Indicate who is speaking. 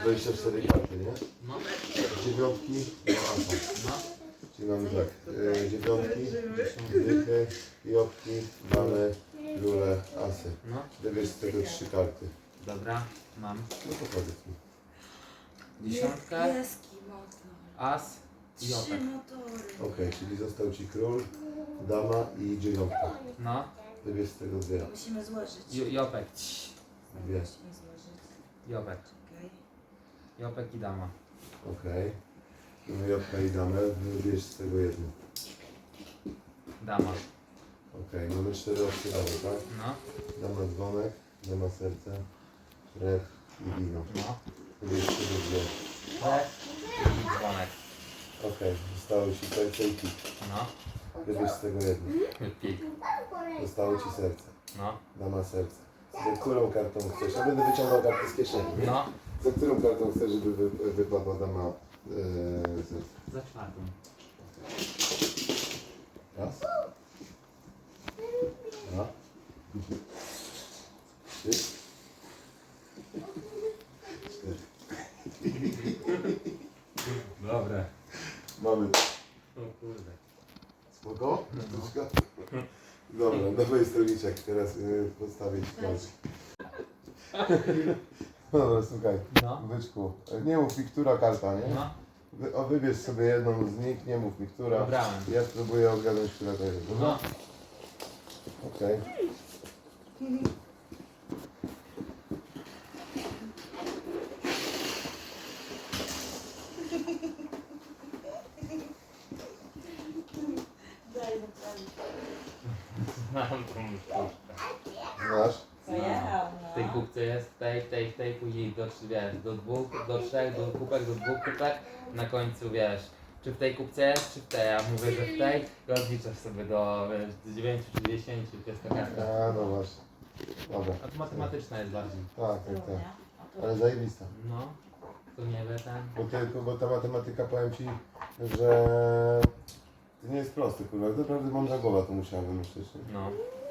Speaker 1: 24 karty, nie?
Speaker 2: No.
Speaker 1: Dziewiątki do asa.
Speaker 2: No.
Speaker 1: Czyli mamy tak, dziewiątki, dychy, jopki, damy, króle, asy.
Speaker 2: No.
Speaker 1: Wybierz z tego 3 karty.
Speaker 2: Dobra, mam.
Speaker 1: No to powiedz mi.
Speaker 2: Dziesiątkę,
Speaker 3: Niebieski motor.
Speaker 2: as i
Speaker 3: 3
Speaker 2: jopek.
Speaker 3: motory.
Speaker 1: Okej, czyli został ci król, dama i dziewiątka.
Speaker 2: No.
Speaker 1: Wybierz z tego 2.
Speaker 3: Musimy złożyć.
Speaker 2: Jopek.
Speaker 1: 2.
Speaker 3: Musimy złożyć.
Speaker 2: Jopek.
Speaker 3: Okej.
Speaker 2: Jopek i dama.
Speaker 1: Okej. Mamy jopka i damę, wybierz z tego 1.
Speaker 2: Dama.
Speaker 1: Okej, mamy 4 opcje damy, tak?
Speaker 2: No.
Speaker 1: Dama dzwonek, dama serce, krew i wino.
Speaker 2: No.
Speaker 1: Wybierz z tego 2.
Speaker 2: Krew i dzwonek.
Speaker 1: Okej, zostało ci serce i pik.
Speaker 2: No.
Speaker 1: Wybierz z tego 1.
Speaker 2: Pik.
Speaker 1: Zostało ci serce.
Speaker 2: No.
Speaker 1: Dama serce. Za którą kartą chcesz? Ja będę wyciągał kartę z kieszeni.
Speaker 2: No.
Speaker 1: Za którą kartą chcesz, żeby wypadła dama serce?
Speaker 2: Za czwartą.
Speaker 1: Raz. Dwa. Trzy. Cztery.
Speaker 2: Dobre.
Speaker 1: Mamy.
Speaker 2: O kurde.
Speaker 1: Spoko?
Speaker 2: No.
Speaker 1: Dobra, dawaj stoliczek, teraz postawię ci kość. Dobra, słuchaj,
Speaker 2: No.
Speaker 1: byczku, nie mów mi, która karta, nie?
Speaker 2: No.
Speaker 1: Wybierz sobie jedną z nich, nie mów mi, która.
Speaker 2: Wybrałem.
Speaker 1: Ja spróbuję odgadnąć, która to jest, dobra?
Speaker 2: No.
Speaker 1: Okej.
Speaker 3: Daj naprawdę.
Speaker 2: Znam tą sztuczkę.
Speaker 1: Znasz?
Speaker 3: Pojechał,
Speaker 2: W tej
Speaker 3: no.
Speaker 2: kubce jest, w tej, później do, wiesz, do 2, do 3, do kubek, do 2 kubek, na końcu wiesz, czy w tej kubce jest, czy w tej, ja mówię, że w tej i odliczasz sobie do, wiesz, do 9 czy 10, to jest ta karta.
Speaker 1: A, no właśnie. Dobra.
Speaker 2: A to matematyczna jest bardziej.
Speaker 1: Tak, tak, tak.
Speaker 3: Równia. O, to
Speaker 1: Ale zajebista.
Speaker 2: No, to nie wie ten.
Speaker 1: Bo ta matematyka, powiem ci, że to nie jest proste, kurwa. Naprawdę mądra głowa to musiała wymyślić. Nie?
Speaker 2: No.